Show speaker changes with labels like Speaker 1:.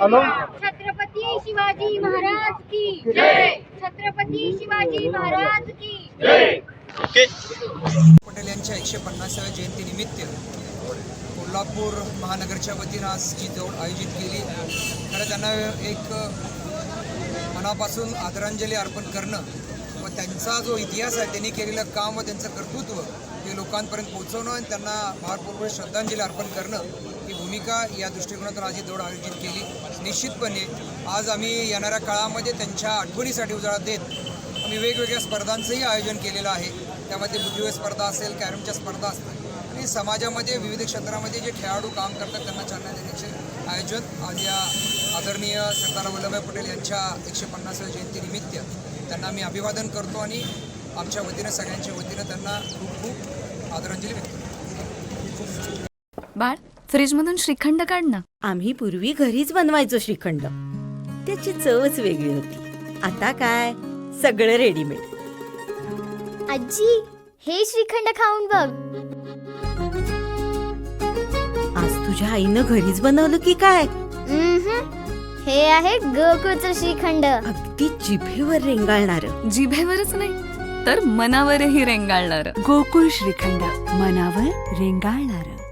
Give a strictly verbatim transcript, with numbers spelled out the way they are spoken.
Speaker 1: Hello.
Speaker 2: Chhatrapati Shivaji Maharaj की जय. छत्रपती शिवाजी महाराज की जय.
Speaker 3: पटेल यांच्या एकशे पन्नासाव्या जयंतीनिमित्त कोल्हापूर महानगरच्या वतीनं आज जी दौड आयोजित केली. खरं त्यांना एक मनापासून आदरांजली अर्पण करणं व त्यांचा जो इतिहास आहे, त्यांनी केलेलं काम व त्यांचं कर्तृत्व हे लोकांपर्यंत पोहोचवणं आणि त्यांना भारपूर्वक श्रद्धांजली अर्पण करणं ही भूमिका या दृष्टिकोनातून आज ही दौड आयोजित केली. निश्चितपणे आज आम्ही येणाऱ्या काळामध्ये त्यांच्या आठवणीसाठी उजाळा देत आम्ही वेगवेगळ्या स्पर्धांचंही आयोजन केलेलं आहे. त्यामध्ये बुद्धिबळ स्पर्धा असेल, कॅरमच्या स्पर्धा असतील आणि समाजामध्ये विविध क्षेत्रामध्ये जे खेळाडू काम करतात त्यांना चालना देण्याचे आयोजन आज या आदरणीय सरदार वल्लभभाई पटेल यांच्या एकशे पन्नासाव्या जयंतीनिमित्त त्यांना मी अभिवादन करतो आणि आमच्या वतीनं सगळ्यांच्या वतीनं त्यांना खूप खूप आदरांजली व्यक्त करतो.
Speaker 4: बाळ, फ्रीजमधून श्रीखंड काढ ना.
Speaker 5: आम्ही पूर्वी घरीच बनवायचो श्रीखंड, त्याची चवच वेगळी होती. आता काय सगळं रेडीमेड.
Speaker 2: आजी, हे श्रीखंड खाऊन बघ.
Speaker 5: आज तुझ्या आईनं घरीच बनवलं की काय?
Speaker 2: हे आहे गोकुळचं श्रीखंड.
Speaker 5: अगदी जिभेवर रेंगाळणार.
Speaker 4: जिभेवरच नाही तर मनावरही रेंगाळणार.
Speaker 6: गोकुळ श्रीखंड, मनावर रेंगाळणार.